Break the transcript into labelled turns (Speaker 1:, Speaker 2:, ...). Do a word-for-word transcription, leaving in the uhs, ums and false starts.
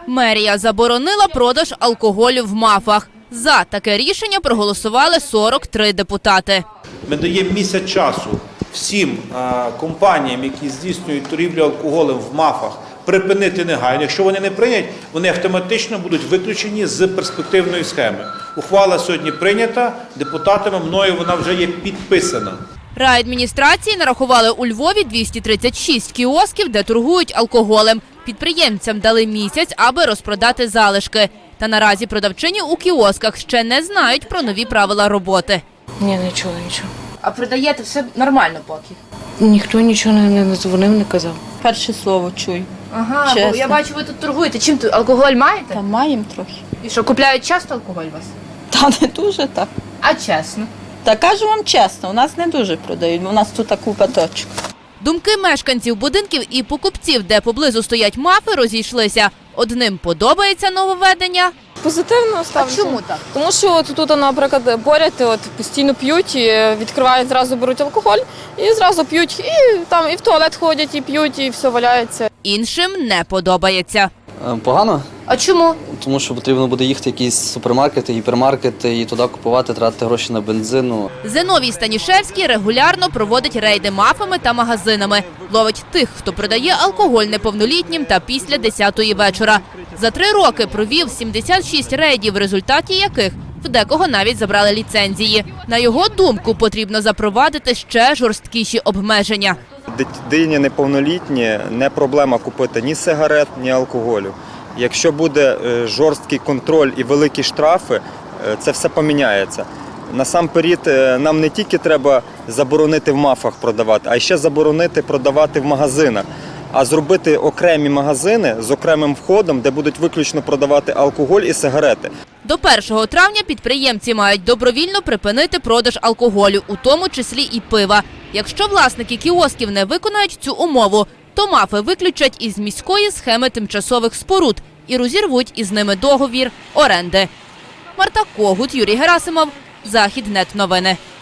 Speaker 1: Мерія заборонила продаж алкоголю в МАФах. За таке рішення проголосували сорок три депутати.
Speaker 2: Ми даємо місяць часу всім компаніям, які здійснюють торгівлю алкоголем в МАФах, припинити негайно. Якщо вони не прийнять, вони автоматично будуть виключені з перспективної схеми. Ухвала сьогодні прийнята депутатами, мною вона вже є підписана.
Speaker 1: Райадміністрації нарахували у Львові двісті тридцять шість кіосків, де торгують алкоголем. Підприємцям дали місяць, аби розпродати залишки. Та наразі продавчині у кіосках ще не знають про нові правила роботи.
Speaker 3: Ні, не чула нічого.
Speaker 1: А продаєте все нормально поки?
Speaker 3: Ніхто нічого не, не дзвонив, не казав.
Speaker 4: Перше слово чую.
Speaker 1: Ага,
Speaker 4: Чесно.
Speaker 1: бо я бачу, ви тут торгуєте. Чим тут? Алкоголь маєте?
Speaker 4: Та маємо трохи.
Speaker 1: І що, купляють часто алкоголь у вас?
Speaker 4: Та не дуже так.
Speaker 1: А чесно?
Speaker 4: Та кажу вам чесно, у нас не дуже продають, бо у нас тут купа точок.
Speaker 1: Думки мешканців будинків і покупців, де поблизу стоять МАФи, розійшлися. Одним подобається нововведення.
Speaker 5: Позитивно ставлюся.
Speaker 1: А чому так?
Speaker 5: Тому що от тут, наприклад, поряд от, постійно п'ють, і відкривають, зразу беруть алкоголь, і зразу п'ють, і там і в туалет ходять, і п'ють, і все валяється.
Speaker 1: Іншим не подобається.
Speaker 6: Погано,
Speaker 1: А чому?
Speaker 6: тому що потрібно буде їхати в якісь супермаркети, гіпермаркети і туди купувати, тратити гроші на бензину.
Speaker 1: Зиновій Станішевський регулярно проводить рейди МАФами та магазинами. Ловить тих, хто продає алкоголь неповнолітнім та після десятої вечора. За три роки провів сімдесят шість рейдів, в результаті яких в декого навіть забрали ліцензії. На його думку, потрібно запровадити ще жорсткіші обмеження.
Speaker 7: Дитині неповнолітній не проблема купити ні сигарет, ні алкоголю. Якщо буде жорсткий контроль і великі штрафи, це все поміняється. Насамперед, нам не тільки треба заборонити в МАФах продавати, а ще заборонити продавати в магазинах. А зробити окремі магазини з окремим входом, де будуть виключно продавати алкоголь і сигарети.
Speaker 1: До першого травня підприємці мають добровільно припинити продаж алкоголю, у тому числі і пива. Якщо власники кіосків не виконають цю умову, то МАФи виключать із міської схеми тимчасових споруд і розірвуть із ними договір оренди. Марта Когут, Юрій Герасимов, Західнет новини.